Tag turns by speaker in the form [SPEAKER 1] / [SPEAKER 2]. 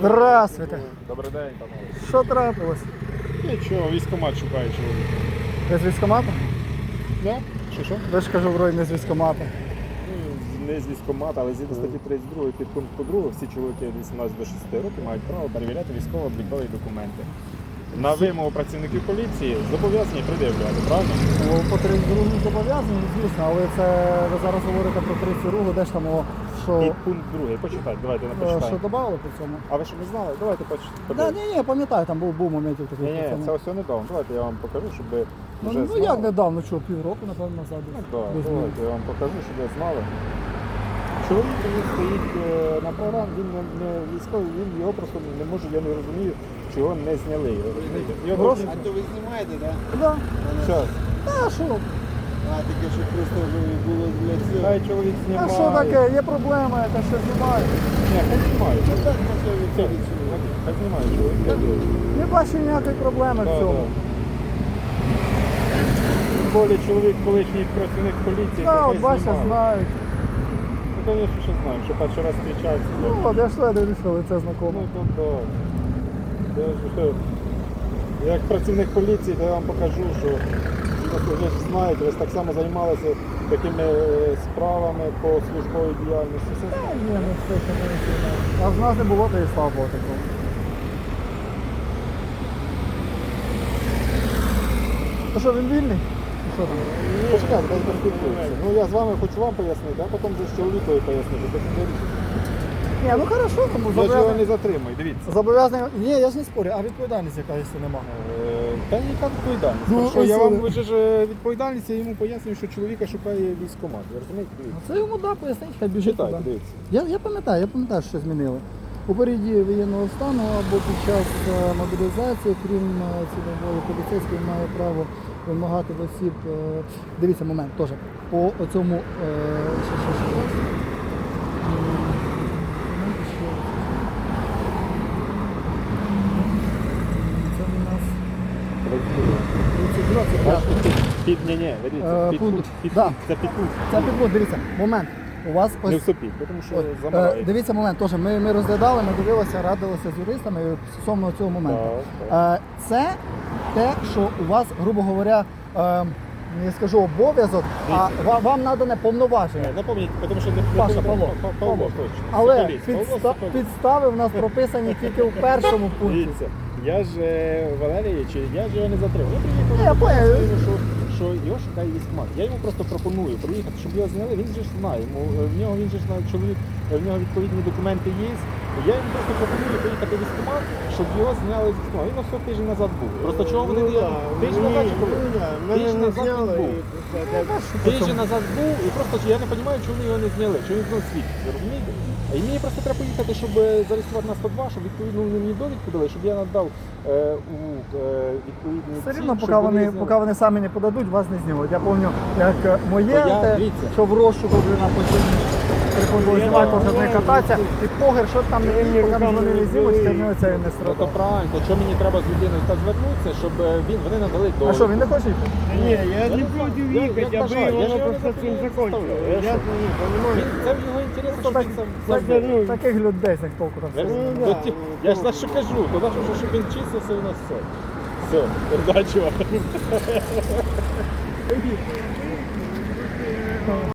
[SPEAKER 1] Здравствуйте.
[SPEAKER 2] Добрий день, панове.
[SPEAKER 1] Що трапилось?
[SPEAKER 2] Нічого, військкомат шукає чоловіка.
[SPEAKER 1] Ви з військкомату?
[SPEAKER 2] Да? Що?
[SPEAKER 1] Ви ж кажу, вроді не з військкомату.
[SPEAKER 2] Не з військкомата, але згідно статті 32 підпункту 2 всі чоловіки від 18 до 60 років мають право перевіряти військово-облікові документи. На вимогу працівників поліції зобов'язані пред'являти, правильно?
[SPEAKER 1] Ну, по 32 зобов'язані, звісно, але це ви зараз говорите про 32, де ж там, що,
[SPEAKER 2] Підпункт 2, почитайте, давайте
[SPEAKER 1] що
[SPEAKER 2] почитаємо.
[SPEAKER 1] додавали по цьому.
[SPEAKER 2] А ви що не знали? Давайте почитайте.
[SPEAKER 1] Да, ні, пам'ятаю, там був моментів такий.
[SPEAKER 2] Ні,
[SPEAKER 1] по цьому.
[SPEAKER 2] це ось недавно. Давайте я вам покажу, щоб ви вже
[SPEAKER 1] Ну
[SPEAKER 2] знали.
[SPEAKER 1] як недавно, що, півроку, напевно, назад.
[SPEAKER 2] Ну,
[SPEAKER 1] десь.
[SPEAKER 2] так,
[SPEAKER 1] Десь
[SPEAKER 2] давайте я вам покажу, щоб ви знали. Чоловік він стоїть на програмі, він не військовий, він його просто не може, я не розумію, чого не зняли. Розумієте? Його
[SPEAKER 1] Прошу?
[SPEAKER 2] должны-
[SPEAKER 3] А то ви знімаєте, так?
[SPEAKER 1] Да.
[SPEAKER 2] Щас.
[SPEAKER 1] А що?
[SPEAKER 3] А таке, щоб просто було для цього.
[SPEAKER 2] Хай чоловік
[SPEAKER 1] А
[SPEAKER 2] знімає.
[SPEAKER 1] що таке? Є проблема, яка ще знімає.
[SPEAKER 2] Ні, хай знімає.
[SPEAKER 3] Ну так, може відходить сюди.
[SPEAKER 2] Хай знімає чоловік.
[SPEAKER 1] Не бачу ніякої проблеми в
[SPEAKER 2] Да,
[SPEAKER 1] цьому.
[SPEAKER 2] да. Тим більше чоловік колишній працівник поліції,
[SPEAKER 1] Так,
[SPEAKER 2] хай
[SPEAKER 1] от бачите,
[SPEAKER 2] знімає.
[SPEAKER 1] знають.
[SPEAKER 2] Ну, звісно, що знаємо, що перший раз зустрічається.
[SPEAKER 1] Ну, от я ж дивлюсь, що лице знакоме.
[SPEAKER 2] Ну, то я ж, як працівник поліції, то я вам покажу, що ви ж знаєте, ви ж так само займалися такими справами по службовій діяльності.
[SPEAKER 1] Ні, ну все, що ми не знаємо. А в нас не було, то і слава Богу такого. Ну що, він вільний? Ну, що там?
[SPEAKER 2] Почекайте, дай поспілкуємося. Ну я з вами хочу вам пояснити, а потім вже з чоловікові пояснити. Так що вирішите.
[SPEAKER 1] Ні, ну хорошо, тому
[SPEAKER 2] Я ж його не
[SPEAKER 1] зобов'язаний.
[SPEAKER 2] затримую, дивіться.
[SPEAKER 1] Зобов'язаний. Ні, я ж не спорю, а відповідальність яка, якщо немає.
[SPEAKER 2] Та яка відповідальність?
[SPEAKER 1] Ну,
[SPEAKER 2] що я
[SPEAKER 1] ось,
[SPEAKER 2] вам вже ж відповідальність, я йому пояснюю, що чоловіка шукає військкомат. Ви розумієте?
[SPEAKER 1] Ну,
[SPEAKER 2] Дивіться.
[SPEAKER 1] це йому да, поясніть, хай біжить
[SPEAKER 2] Читайте,
[SPEAKER 1] туди.
[SPEAKER 2] дивіться.
[SPEAKER 1] Я пам'ятаю, що змінили. У періоді воєнного стану або під час мобілізації, крім цільової, поліцейський має право вимагати в осіб. Дивіться, момент теж. По цьому що. Це у нас 32, це
[SPEAKER 2] Бачите, ні, дивіться,
[SPEAKER 1] пункт.
[SPEAKER 2] підпункт,
[SPEAKER 1] Да.
[SPEAKER 2] це підпункт.
[SPEAKER 1] Це підвод, дивіться, момент. У вас
[SPEAKER 2] Не
[SPEAKER 1] ось
[SPEAKER 2] вступіть, тому що
[SPEAKER 1] Ой,
[SPEAKER 2] замирає.
[SPEAKER 1] дивіться момент, теж ми розглядали, ми дивилися, радилися з юристами стосовно цього моменту.
[SPEAKER 2] Так.
[SPEAKER 1] Це те, що у вас, грубо говоря, не скажу обов'язок, а вам надане повноваження.
[SPEAKER 2] Напомніть, тому що не
[SPEAKER 1] Паша, Павло.
[SPEAKER 2] Павло, точно.
[SPEAKER 1] Але
[SPEAKER 2] Соколіць. Павло Соколіць.
[SPEAKER 1] підстави в нас прописані тільки в першому пункті.
[SPEAKER 2] Дивіться, я ж Валерійович, я ж його не затримав. Я
[SPEAKER 1] Ні, я
[SPEAKER 2] приїхав,
[SPEAKER 1] понял.
[SPEAKER 2] що його шукає військкомат. Я йому просто пропоную приїхати, щоб його зняли. Він же ж знає. В нього він же ж чоловік, в нього відповідні документи є. Я йому просто пропоную приїхати в військкомат, щоб його зняли з військкомату. Він ось тиждень назад був. Просто чого вони не тиждень назад чи коли? Тиждень назад він був. Тиждень назад був, і просто я не розумію, чому вони його не зняли, чому він знов світ. Ви розумієте? І мені просто треба поїхати, щоб зареєструвати на 102, щоб відповідно вони мені довідку дали, щоб я надав у відповідні
[SPEAKER 1] Все
[SPEAKER 2] ці,
[SPEAKER 1] рівно,
[SPEAKER 2] щоб
[SPEAKER 1] поки
[SPEAKER 2] зняли.
[SPEAKER 1] вони самі не подадуть, вас не знімуть. Я пам'ятаю, як моє,
[SPEAKER 2] То я-
[SPEAKER 1] те,
[SPEAKER 2] дивіться.
[SPEAKER 1] що в розшуку вже на постійні приходили знімати, кожен не кататися, і погер, що там не є, поки вони не знімуть, це це не
[SPEAKER 2] Ну то
[SPEAKER 1] страдає.
[SPEAKER 2] правильно, то що мені треба з людиною так звернутися, щоб вони надали довідку.
[SPEAKER 1] А що, він не хоче йти?
[SPEAKER 3] Ні, я
[SPEAKER 2] Я
[SPEAKER 3] не
[SPEAKER 2] не
[SPEAKER 3] проти
[SPEAKER 2] знаю, я
[SPEAKER 3] їхати, аби
[SPEAKER 2] бажаю, я ж
[SPEAKER 3] воно
[SPEAKER 2] його не
[SPEAKER 3] просто цим
[SPEAKER 2] заставляю.
[SPEAKER 3] закончило.
[SPEAKER 2] Я
[SPEAKER 3] Я
[SPEAKER 2] що?
[SPEAKER 3] не розумію.
[SPEAKER 2] Це в його інтересі, щоб він сам
[SPEAKER 1] Таких людей з них толку там.
[SPEAKER 2] Я,
[SPEAKER 3] Ну, да.
[SPEAKER 2] я ж на що кажу, туди, щоб він чистився у нас все. Все, удачі вам.